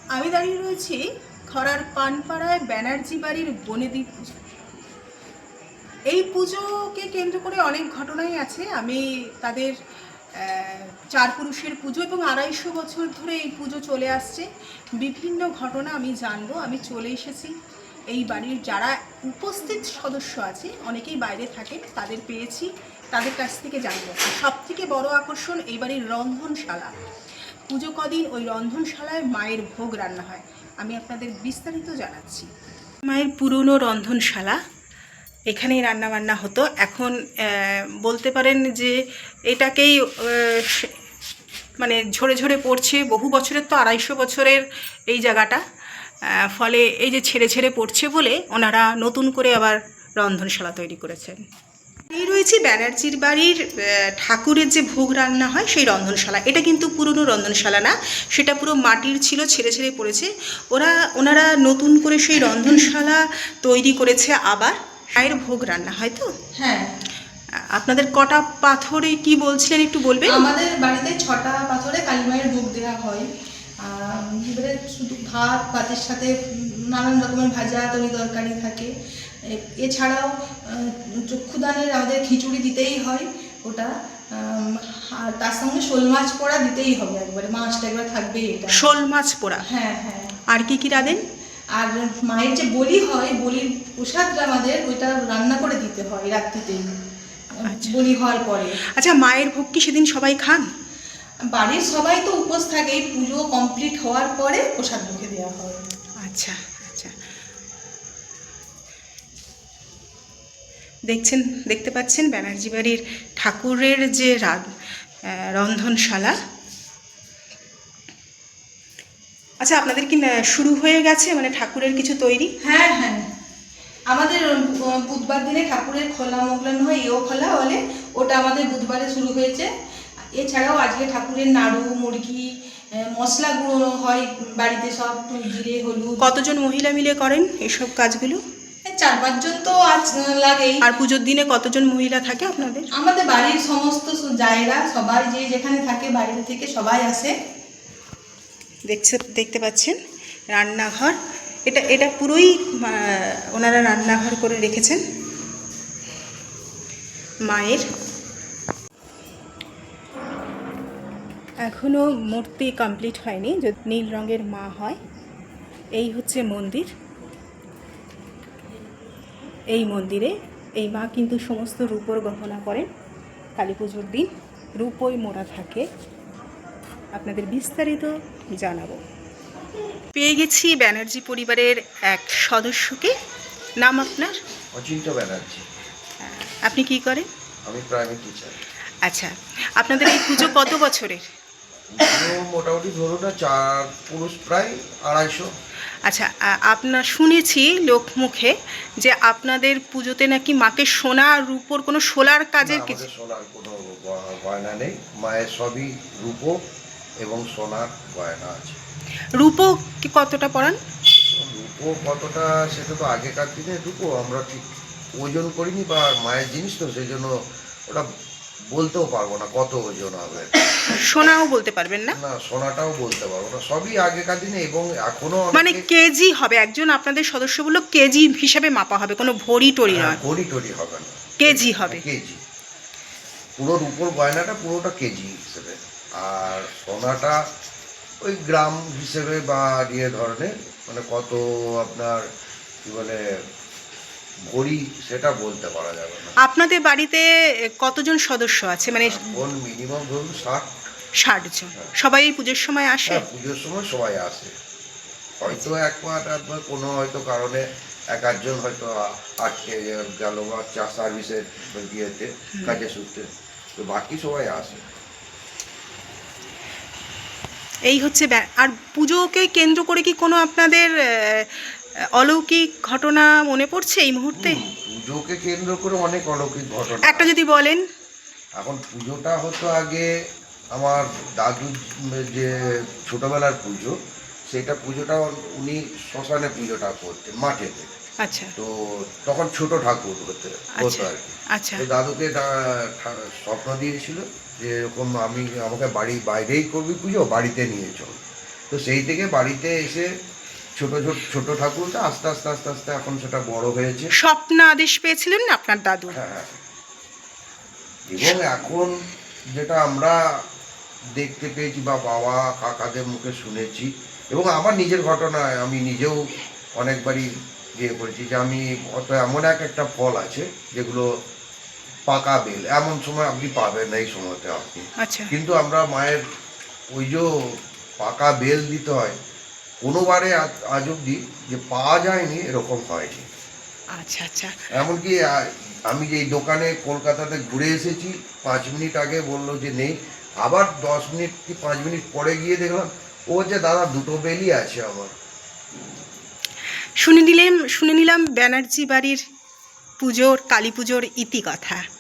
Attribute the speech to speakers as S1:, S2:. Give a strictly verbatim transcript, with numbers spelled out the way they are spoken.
S1: আমি দাঁড়িয়ে রয়েছি খরার পানপাড়ায় ব্যানার্জি বাড়ির বনেদি পুজো। এই পুজোকে কেন্দ্র করে অনেক ঘটনাই আছে। আমি তাদের চার পুরুষের পুজো এবং আড়াইশো বছর ধরে এই পুজো চলে আসছে। বিভিন্ন ঘটনা আমি জানবো। আমি চলে এসেছি এই বাড়ির যারা উপস্থিত সদস্য আছে, অনেকেই বাইরে থাকে, তাদের পেয়েছি, তাদের কাছ থেকে জানবো। সব থেকে বড় আকর্ষণ এই বাড়ির রন্ধনশালা। পুজো কদিন ওই রন্ধনশালায় মায়ের ভোগ রান্না হয়। আমি আপনাদের বিস্তারিত জানাচ্ছি। মায়ের পুরনো রন্ধনশালা, এখানেই রান্নাবান্না হতো। এখন বলতে পারেন যে এটাকেই মানে ঝরে ঝরে পড়ছে। বহু বছরের তো, আড়াইশো বছরের এই জায়গাটা, ফলে এই যে ছেড়ে ছেড়ে পড়ছে বলে ওনারা নতুন করে আবার রন্ধনশালা তৈরি করেছেন। এই রয়েছে ব্যানার্জির বাড়ির ঠাকুরের যে ভোগ রান্না হয় সেই রন্ধনশালা। এটা কিন্তু পুরনো রন্ধনশালা না, সেটা পুরো মাটির ছিল, ছেড়ে ছেড়ে পড়েছে। ওরা ওনারা নতুন করে সেই রন্ধনশালা তৈরি করেছে। আবার মায়ের ভোগ রান্না হয় তো।
S2: হ্যাঁ।
S1: আপনাদের কটা পাথরে কি বলছিলেন একটু বলবেন?
S2: আমাদের বাড়িতে ছটা পাথরে কালী মায়ের ভোগ দেওয়া হয়। এবারে শুধু ভাত, ভাতের সাথে নানান রকমের ভাজা তরি তরকারি থাকে। এছাড়াও চক্ষুদানের আমাদের খিচুড়ি দিতেই হয় ওটা, আর তার সঙ্গে শোল মাছ পোড়া দিতেই হবে, একবারে মাছটা একবার থাকবেই। এটা
S1: শোল মাছ পোড়া।
S2: হ্যাঁ হ্যাঁ।
S1: আর কি কি রাঁধেন?
S2: আর মায়ের যে বলি হয়, বলির প্রসাদটা আমাদের ওইটা রান্না করে দিতে হয় রাত্রিতেই, বলি হওয়ার পরে।
S1: আচ্ছা, মায়ের ভোগ কি সেদিন সবাই খান?
S2: বাড়ির সবাই তো উপোস থাকে, পুজো কমপ্লিট হওয়ার পরে প্রসাদ মুখে দেওয়া হয়।
S1: আচ্ছা আচ্ছা, দেখছেন, দেখতে পাচ্ছেন ব্যানার্জি বাড়ির ঠাকুরের যে রন্ধনশালা। আচ্ছা, আপনাদের কি শুরু হয়ে গেছে মানে ঠাকুরের কিছু তৈরি?
S2: হ্যাঁ হ্যাঁ, আমাদের বুধবার দিনে ঠাকুরের খোলা মোগলান হয়, এও খোলা বলে, ওটা আমাদের বুধবারে শুরু হয়েছে। এছাড়াও আজকে ঠাকুরের নাড়ু, মুরগি, মশলা গুঁড়ো হয় বাড়িতে, সব জিরে হলুদ।
S1: কতজন মহিলা মিলে করেন এসব কাজগুলো?
S2: চার পাঁচজন তো আজ লাগেই।
S1: আর পুজোর দিনে কতজন মহিলা থাকে আপনাদের?
S2: আমাদের বাড়ির সমস্ত জায়গা, সবাই যে যেখানে থাকে বাইরে থেকে সবাই আসে।
S1: দেখছে, দেখতে পাচ্ছেন রান্নাঘর। এটা এটা পুরোই ওনারা রান্নাঘর করে রেখেছেন মায়ের। এখনও মূর্তি কমপ্লিট হয়নি, যদি নীল রঙের মা হয়। এই হচ্ছে মন্দির। এই মন্দিরে এই মা কিন্তু সমস্ত রূপোর গহনা করেন। কালী পুজোর দিন রূপোই মোড়া থাকে। আপনাদের বিস্তারিত জানাবো। পেয়ে গেছি ব্যানার্জি পরিবারের এক সদস্যকে। নাম আপনার?
S3: অচিন্ত ব্যানার্জি।
S1: আপনি কি করেন?
S3: আমি প্রাইমারি টিচার।
S1: আচ্ছা, আপনাদের এই পুজো কত বছরের?
S3: মোটামুটি ধরুন না, চার পুরুষ প্রায় আড়াইশো।
S1: আচ্ছা, আপনার শুনেছি লোক মুখে যে আপনাদের পুজোতে নাকি মাকে সোনা আর রূপোর কোনো সোলার কাজের কিছু।
S3: সোনার কোনো গয়না নেই, মায়ের সবই রূপো এবং সোনার গয়না আছে।
S1: রূপো কি কতটা পড়ান?
S3: রূপো কতটা সেটা তো আগেকার দিনে রূপো আমরা ঠিক ওজন করিনি, বা মায়ের জিনিস তো সেই জন্য ওটা বলতেও পারবো না কত ওজন হবে।
S1: সোনাও বলতে পারবেন না?
S3: না, সোনাটাও বলতে পারবো না, সবই আগেকার দিনে। এবং এখনো
S1: মানে কেজি হবে, একজন আপনাদের সদস্য বললো কেজি হিসাবে মাপা হবে, কোনো ভরি টরি নয়।
S3: ভরি টরি হবে না,
S1: কেজি হবে।
S3: কেজি পুরো রূপোর গয়নাটা পুরোটা কেজি হিসেবে, আর সোনাটা ওই গ্রাম হিসেবে বা ইয়ে ধরনের, মানে কত আপনার কি বলে ভরি সেটা বলতে পারা যাবে না।
S1: আপনাদের বাড়িতে কতজন সদস্য আছে? মানে
S3: কোন মিনিমাম ধরুন ষাট
S1: ষাট জন। সবাই এই পুজোর সময় আসে?
S3: হ্যাঁ, পুজোর সময় সবাই আসে। হয়তো এক মাস একবার কোনো হয়তো কারণে এক আধজন হয়তো আটকে গেল বা চা সার্ভিসের ইয়েতে কাজে সূত্রে, তো বাকি সবাই আসে।
S1: এই হচ্ছে। আর পুজোকে কেন্দ্র করে কি কোনো আপনাদের অলৌকিক ঘটনা মনে পড়ছে এই মুহূর্তে?
S3: পুজোকে কেন্দ্র করে অনেক অলৌকিক ঘটনা
S1: একটা যদি বলেন।
S3: এখন পুজোটা হতো আগে আমার দাদু যে ছোটবেলার পুজো, সেটা পুজোটা উনি শ্মশানে পুজোটা করতেন মাঠেতে।
S1: আচ্ছা।
S3: তো তখন ছোট ঠাকুর হতে হতো আর কি।
S1: আচ্ছা।
S3: তো দাদুকে স্বপ্ন দিয়েছিল যে এরকম আমি আমাকে বাড়ির বাইরেই করবি পুজো, বাড়িতে নিয়ে চল। তো সেই থেকে বাড়িতে এসে ছোট ছোট ছোট ঠাকুরটা আস্তে আস্তে আস্তে আস্তে এখন সেটা বড় হয়েছে।
S1: স্বপ্ন আদেশ পেয়েছিলেন না আপনার দাদু?
S3: হ্যাঁ, এবং এখন যেটা আমরা দেখতে পেয়েছি বা বাবা কাকাদের মুখে শুনেছি, এবং আমার নিজের ঘটনায় আমি নিজেও অনেকবারই ইয়ে করেছি যে আমি হয়তো এমন এক একটা ফল আছে যেগুলো পাকা বেল, এমন সময় আপনি পাবেন না এই সময়তে আপনি,
S1: আচ্ছা,
S3: কিন্তু আমরা মায়ের ওই যে পাকা বেল দিতে হয়, কোনোবারে আজ- আজ অব্দি যে পাওয়া যায়নি এরকম হয়নি।
S1: আচ্ছা, আচ্ছা।
S3: এমনকি আ- আমি যে এই দোকানে কলকাতাতে ঘুরে এসেছি, পাঁচ মিনিট আগে বললো যে নেই, আবার দশ মিনিট কি পাঁচ মিনিট পরে গিয়ে দেখলাম ও যে দাদা দুটো বেলই আছে আমার।
S1: শুনে নিলাম শুনে নিলাম ব্যানার্জি বাড়ির পুজোর, কালী পুজোর ইতিকথা।